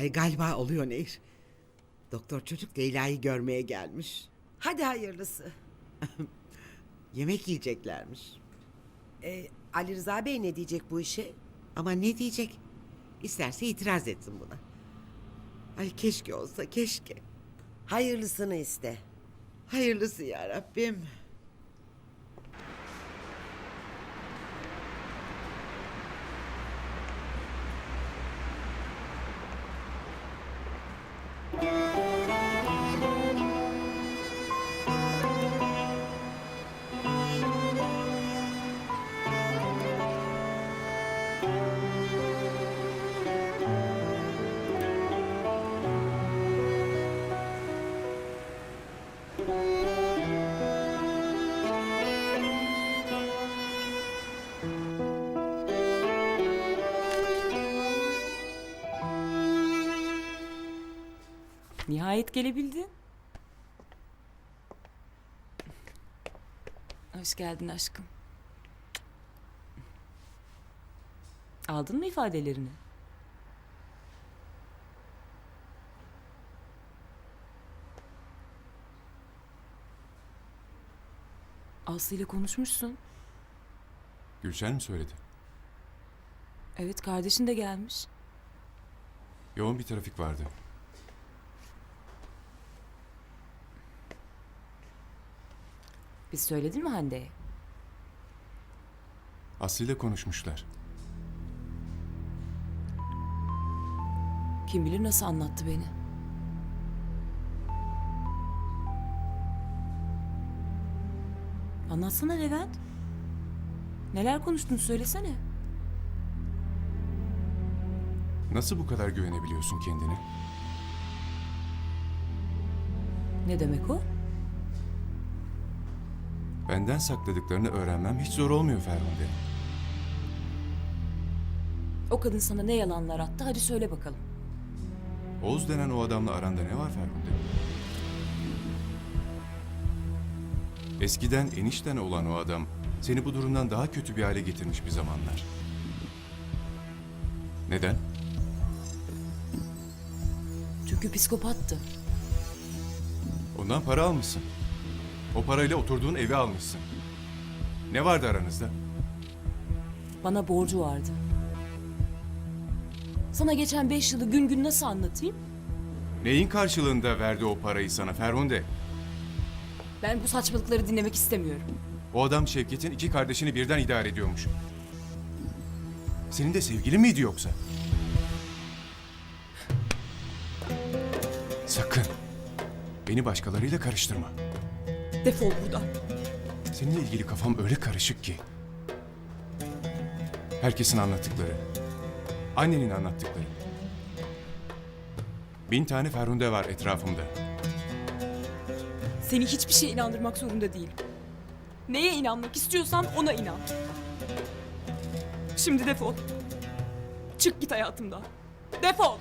Ay galiba oluyor Nehir. Doktor çocuk Leyla'yı görmeye gelmiş. Hadi hayırlısı. Yemek yiyeceklermiş. Ali Rıza Bey ne diyecek bu işe? Ama ne diyecek? İsterse itiraz etsin buna. Ay keşke olsa keşke. Hayırlısını iste. Hayırlısı ya Rabbim. Nihayet gelebildin. Hoş geldin aşkım. Aldın mı ifadelerini? Aslı ile konuşmuşsun. Gülşen mi söyledi? Evet, kardeşin de gelmiş. Yoğun bir trafik vardı. Biz söyledin mi Hande'ye? Aslı ile konuşmuşlar. Kim bilir nasıl anlattı beni. Anlatsana Levent. Neler konuştun söylesene. Nasıl bu kadar güvenebiliyorsun kendine? Ne demek o? Benden sakladıklarını öğrenmem hiç zor olmuyor Ferhunde. O kadın sana ne yalanlar attı, hadi söyle bakalım. Oğuz denen o adamla aranda ne var Ferhunde? Eskiden enişten olan o adam seni bu durumdan daha kötü bir hale getirmiş bir zamanlar. Neden? Çünkü psikopattı. Ondan para almışsın. O parayla oturduğun evi almışsın. Ne vardı aranızda? Bana borcu vardı. Sana geçen 5 yılı gün gün nasıl anlatayım? Neyin karşılığında verdi o parayı sana Ferhunde? Ben bu saçmalıkları dinlemek istemiyorum. O adam Şevket'in 2 kardeşini birden idare ediyormuş. Senin de sevgilin miydi yoksa? Sakın. Beni başkalarıyla karıştırma. Defol buradan. Seninle ilgili kafam öyle karışık ki. Herkesin anlattıkları. Annenin anlattıkları. 1000 tane Ferhunde var etrafımda. Seni hiçbir şeye inandırmak zorunda değilim. Neye inanmak istiyorsan ona inan. Şimdi defol. Çık git hayatımdan. Defol.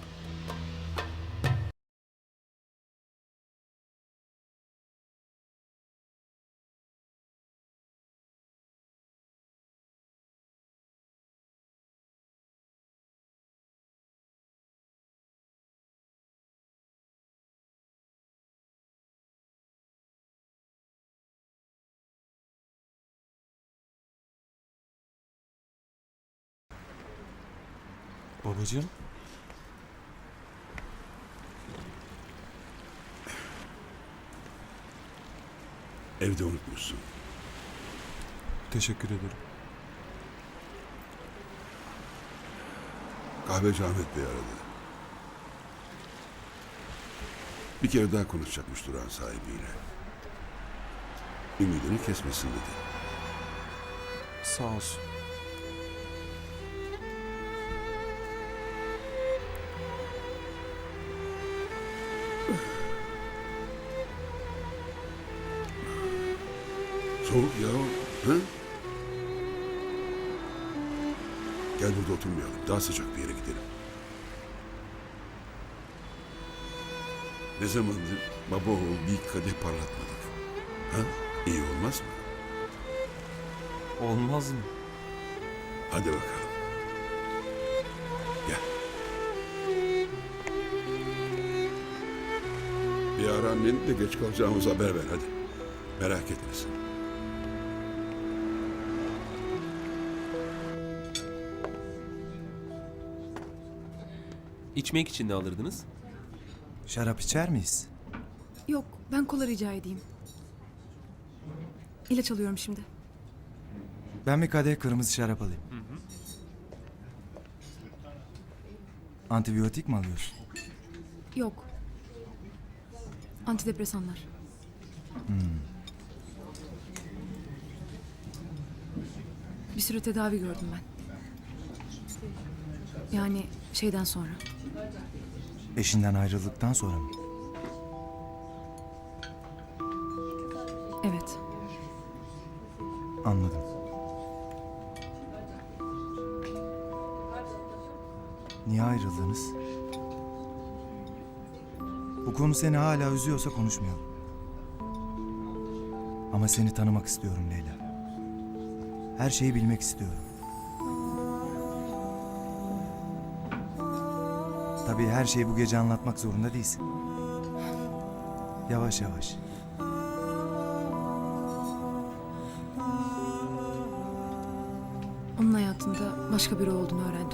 Babacığım. Evde unutmuşsun. Teşekkür ederim. Kahveci Ahmet Bey aradı. Bir kere daha konuşacakmış duran sahibiyle. Ümidini kesmesin dedi. Sağ olsun. Soğuk ya. Hı? Gel burada oturmayalım. Daha sıcak bir yere gidelim. Ne zamandır baba oğul bir kadeh parlatmadık. Ha? İyi olmaz mı? Olmaz mı? Hadi bakalım. Gel. Bir ara anneni de geç kalacağımız haber ver hadi. Merak etmesin. İçmek için ne alırdınız? Şarap içer miyiz? Yok, ben kola rica edeyim. İlaç alıyorum şimdi. Ben bir kadeh kırmızı şarap alayım. Antibiyotik mi alıyorsun? Yok. Antidepresanlar. Bir süre tedavi gördüm ben. Yani şeyden sonra. Eşinden ayrıldıktan sonra mı? Evet. Anladım. Niye ayrıldınız? Bu konu seni hala üzüyorsa konuşmayalım. Ama seni tanımak istiyorum Leyla. Her şeyi bilmek istiyorum. Tabii her şeyi bu gece anlatmak zorunda değilsin. Yavaş yavaş. Onun hayatında başka biri olduğunu öğrendim.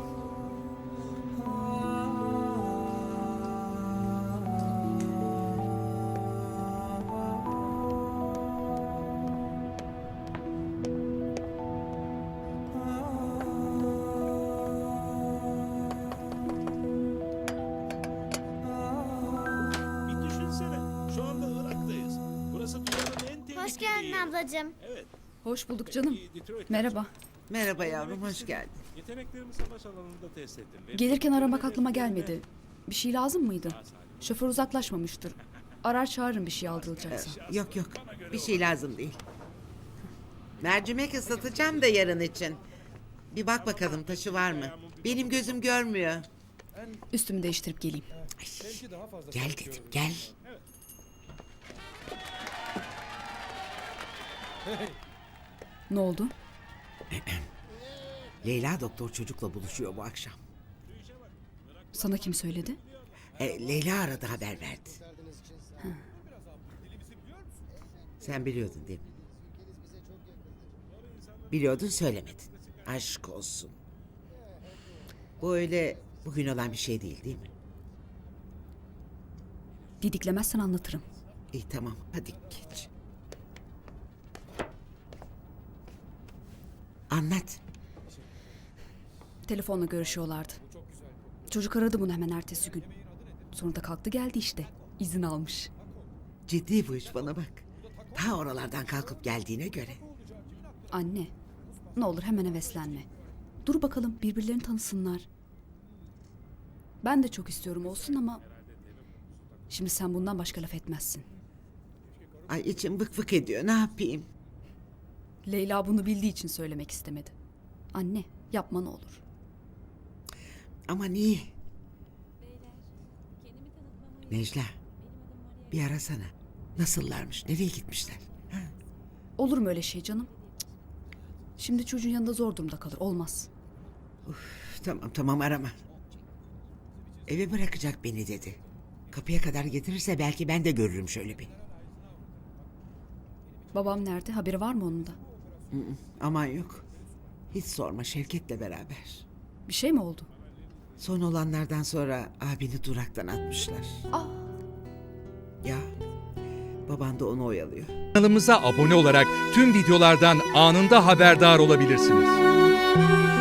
Bir düşünsene. Şu anda Irak'tayız. Burası dünyanın en tehlikeli Hoş geldin yeri. ablacığım. Hoş bulduk canım. Detroit Merhaba. Merhaba yavrum, hoş geldin. Yeteneklerimi savaş alanında test ettim. Ve Gelirken aramak aklıma gelmedi. Bir şey lazım mıydı? Şoför uzaklaşmamıştır. Arar çağırırım bir şey aldırılacaksa. Yok yok, bir şey lazım değil. Mercimek ıslatacağım da yarın için. Bir bak bakalım taşı var mı? Benim gözüm görmüyor. Üstümü değiştirip geleyim. Gel dedim, gel. Ne oldu? Leyla doktor çocukla buluşuyor bu akşam. Sana kim söyledi? Leyla aradı, haber verdi. Sen biliyordun değil mi? Biliyordun, söylemedin. Aşk olsun. Bu öyle bugün olan bir şey değil mi? Didiklemezsen anlatırım. İyi tamam, hadi geç. Anlat. Telefonla görüşüyorlardı. Çocuk aradı bunu hemen ertesi gün. Sonra da kalktı geldi işte. İzin almış. Ciddi bu iş, bana bak. Ta oralardan kalkıp geldiğine göre. Anne, ne olur hemen heveslenme. Dur bakalım birbirlerini tanısınlar. Ben de çok istiyorum olsun ama... Şimdi sen bundan başka laf etmezsin. Ay içim vık vık ediyor, ne yapayım? Leyla bunu bildiği için söylemek istemedi. Anne, yapma ne olur. Ama niye? Necla, bir arasana. Nasıllarmış, nereye gitmişler? Ha? Olur mu öyle şey canım? Cık. Şimdi çocuğun yanında zor durumda kalır, olmaz. Tamam arama. Eve bırakacak beni dedi. Kapıya kadar getirirse belki ben de görürüm şöyle bir. Babam nerede? Haberi var mı onun da? Aman yok. Hiç sorma, Şevket'le beraber. Bir şey mi oldu? Son olanlardan sonra abini duraktan atmışlar. Ya, baban da onu oyalıyor. Kanalımıza abone olarak tüm videolardan anında haberdar olabilirsiniz.